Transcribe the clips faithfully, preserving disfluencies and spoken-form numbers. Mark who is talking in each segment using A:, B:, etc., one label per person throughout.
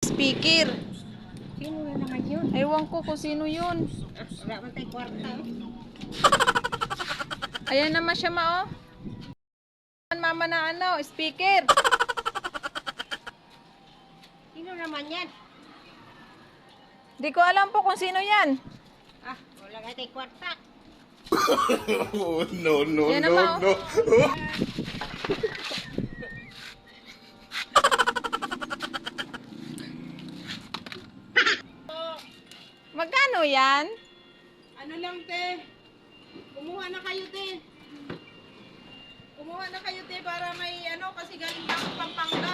A: speaker.
B: Sino na naman yun?
A: Ewan ko kung sino yun.
B: Wala man tayo kwarta.
A: Ayan naman siya, ma, oh. Mama na ano, speaker.
B: Sino naman yan?
A: Di ko alam po kung sino yan.
B: Ah, wala nga tayo kwarta.
C: Oh, no, no,
A: Yan
C: no,
A: naman,
C: no.
A: Magkano yan?
D: Ano lang, te? Kumuha na kayo, te. Kumuha na kayo, te, para may ano, kasi galing pa akong Pampanga.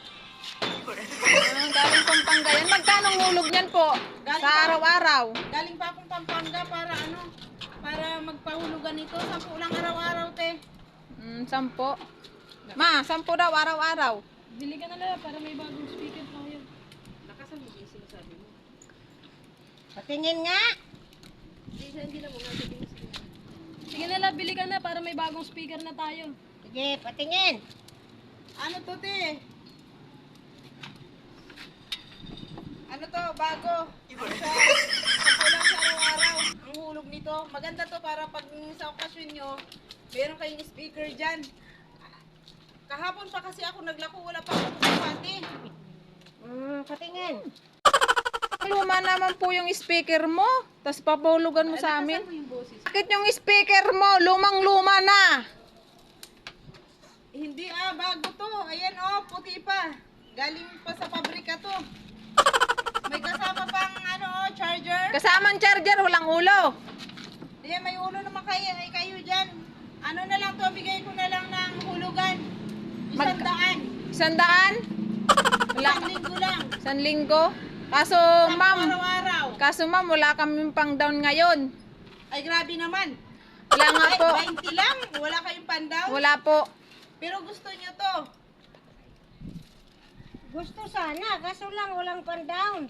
A: Ah, galing Pampanga yan. Magkano ang hulog niyan po?
D: Galing
A: Sa
D: pa-
A: araw-araw.
D: Galing pa akong Pampanga para ano, para magpahulugan ito. Sampu lang araw-araw, te.
A: Mm, sampo. Ma, sampo daw araw-araw.
D: Bili ka na lang para may bagong speaker tayo. Lakasan mo yung sinasabi mo.
B: Patingin nga.
D: Hindi, hindi na mo nga sabihin sa kanya. Sige na lang, bili ka na para may bagong speaker na tayo.
B: Sige, patingin.
D: Ano to, te? Ano to, bago? Sa, sa lang sa araw-araw. Ang hulog nito. Maganda to para pag sa okasyon nyo, meron kayong speaker dyan. Kahapon pa kasi ako naglako, wala pa akong pati.
B: Hmm, patingin.
A: Luma naman po yung speaker mo. Tapos papahulugan mo sa amin.
D: Mo yung boses.
A: Bakit yung speaker mo? Lumang-luma na.
D: Hindi ah, bago to. Ayan oh, puti pa. Galing pa sa pabrika to. May kasama pang ano oh, charger.
A: Kasamang charger, walang ulo.
D: Hindi, may ulo naman kayo, ay kayo dyan. Ano na lang to, bigay ko na lang ng hulugan. Isang
A: Mag-
D: daan.
A: Sandaan? Wala.
D: Isang linggo lang.
A: San linggo? Kaso,
D: Isang
A: ma'am,
D: araw-araw.
A: kaso ma'am, wala kami pang down ngayon.
D: Ay, grabe naman.
A: Wala nga
D: Ay,
A: po.
D: twenty lang. Wala kayong pandaw.
A: Wala po.
D: Pero gusto nyo to.
B: Gusto sana, kaso lang walang pan-down.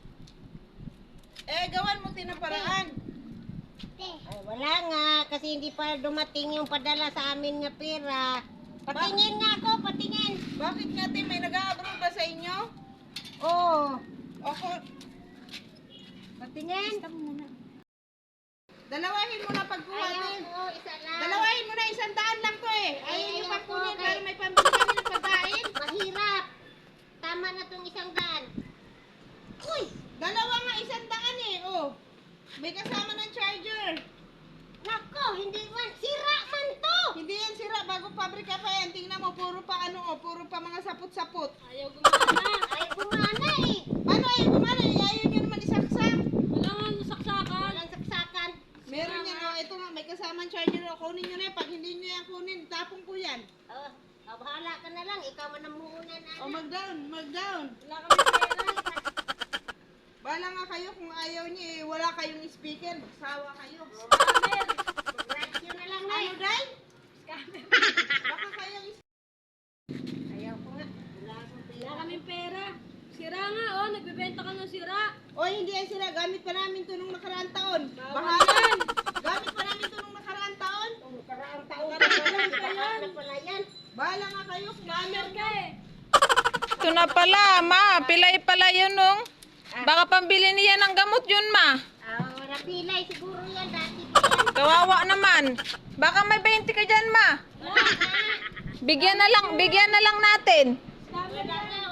D: Eh, gawan mo tinaparaan.
B: Ay, wala nga, kasi hindi pa dumating yung padala sa amin nga pera. Patingin nga ako, patingin.
D: Bakit nga, te, may nag-a-abroad ba sa inyo?
B: Oo,
D: Ako,
B: patingin.
D: dalawahin mo na pagkuha, te.
B: Ayaw ko, isa lang.
D: Dalawahin mo na, isang daan lang to eh. Ayaw
B: Ayaw
D: nyo
B: ko,
D: pagkunin
B: okay.
D: para may pambili kami ng pagkain.
B: Mahirap. Tama na tong isang daan. Uy,
D: Dalawa nga, isang daan eh. Oh. May kasama ng charger.
B: nako, hindi man. Sira man to.
D: Hindi yan sira, bago pabrika pa yan. Tingnan mo, puro pa ano oh, puro pa mga saput-saput.
B: Ayaw gumana. Ayaw gumana eh.
D: Paano ayaw gumana? Eh, ayaw nyo naman isaksak.
B: Wala nga saksakan. Walang saksakan.
D: Meron yan, oh, ito nga, may kasamang charger. Oh. Kunin nyo na yan. Pag hindi nyo yan kunin, tapong ko yan.
B: Oh, oh, bahala ka na lang. Ikaw man ang muna na.
D: Oh, mag-down, mag-down.
B: Wala kami pera.
D: Bahala nga kayo kung ayaw nyo eh, wala kayong speaker. Magsawa kayo.
B: Scammer. Radyo na lang na
D: Ano,
B: eh.
D: Day? Baka kayong
B: Ayaw ko nga. Wala akong pera.
E: Wala kaming pera. Sira nga, oh. Nagbebenta ka ng sira.
D: O hindi yan sila, gamit pa namin ito nung nakaraang taon.
E: Bawal
D: Bahala.
E: yan.
D: Gamit pa namin ito nung nakaraang taon.
B: Kung karaang taon
D: Karaang
B: pa
D: taon
B: lang.
D: pa
B: Baka
D: yan.
B: na pala yan.
D: Bahala nga kayo kung ayaw
E: Scammer ka eh.
A: Ito na pala, ma. Pilay pala yun, nung. Baka pambili niya ng gamot yun, ma.
B: Ah, wala pilay. Siguro yan. Dati pa yan.
A: Kawawa naman. Baka may twenty ka dyan, ma.
B: Wala nga.
A: Bigyan na lang, bigyan na lang natin.
E: Scammer
B: Wala
E: ka.
B: nga.